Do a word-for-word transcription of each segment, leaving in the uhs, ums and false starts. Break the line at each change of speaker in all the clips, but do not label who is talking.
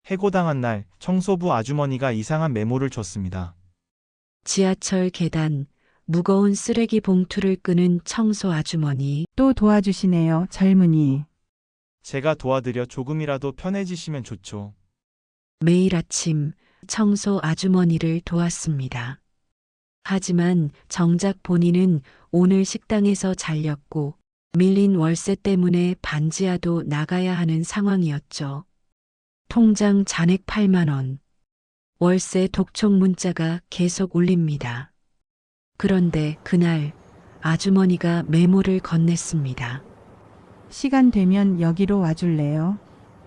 해고당한 날 청소부 아주머니가 이상한 메모를 줬습니다.
지하철 계단, 무거운 쓰레기 봉투를 끄는 청소 아주머니.
또 도와주시네요, 젊은이.
제가 도와드려 조금이라도 편해지시면 좋죠.
매일 아침 청소 아주머니를 도왔습니다. 하지만 정작 본인은 오늘 식당에서 잘렸고 밀린 월세 때문에 반지하도 나가야 하는 상황이었죠. 통장 잔액 팔만 원. 월세 독촉 문자가 계속 울립니다. 그런데 그날 아주머니가 메모를 건넸습니다.
시간 되면 여기로 와줄래요?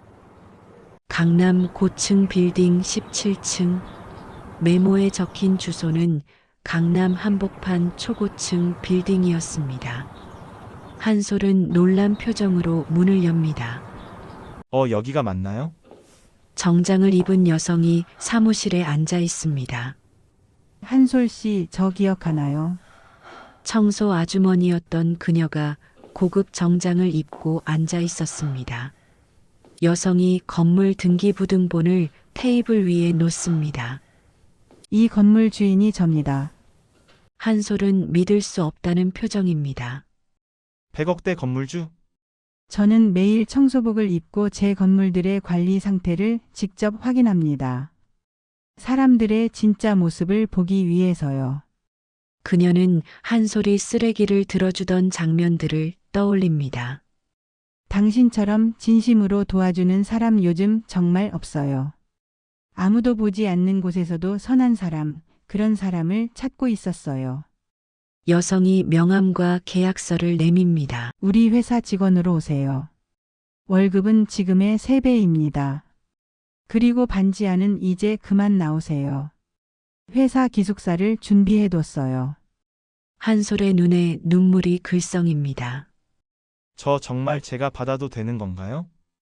강남 고층 빌딩 십칠 층. 메모에 적힌 주소는 강남 한복판 초고층 빌딩이었습니다. 한솔은 놀란 표정으로 문을 엽니다.
어, 여기가 맞나요?
정장을 입은 여성이 사무실에 앉아 있습니다.
한솔 씨, 저 기억하나요?
청소 아주머니였던 그녀가 고급 정장을 입고 앉아 있었습니다. 여성이 건물 등기부등본을 테이블 위에 놓습니다.
이 건물 주인이 접니다.
한솔은 믿을 수 없다는 표정입니다.
백억대 건물주?
저는 매일 청소복을 입고 제 건물들의 관리 상태를 직접 확인합니다. 사람들의 진짜 모습을 보기 위해서요.
그녀는 한솔이 쓰레기를 들어주던 장면들을 떠올립니다.
당신처럼 진심으로 도와주는 사람 요즘 정말 없어요. 아무도 보지 않는 곳에서도 선한 사람, 그런 사람을 찾고 있었어요.
여성이 명함과 계약서를 내밉니다.
우리 회사 직원으로 오세요. 월급은 지금의 세 배입니다. 그리고 반지하는 이제 그만 나오세요. 회사 기숙사를 준비해뒀어요.
한솔의 눈에 눈물이 글썽입니다.
저 정말 제가 받아도 되는 건가요?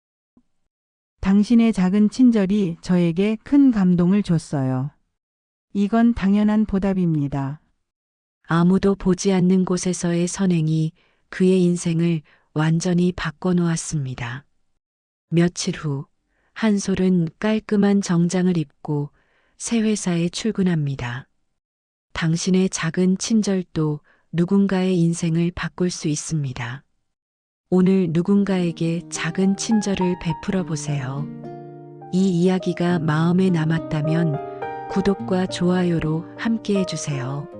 당신의 작은 친절이 저에게 큰 감동을 줬어요. 이건 당연한 보답입니다.
아무도 보지 않는 곳에서의 선행이 그의 인생을 완전히 바꿔놓았습니다. 며칠 후 한솔은 깔끔한 정장을 입고 새 회사에 출근합니다. 당신의 작은 친절도 누군가의 인생을 바꿀 수 있습니다. 오늘 누군가에게 작은 친절을 베풀어 보세요. 이 이야기가 마음에 남았다면 구독과 좋아요로 함께 해주세요.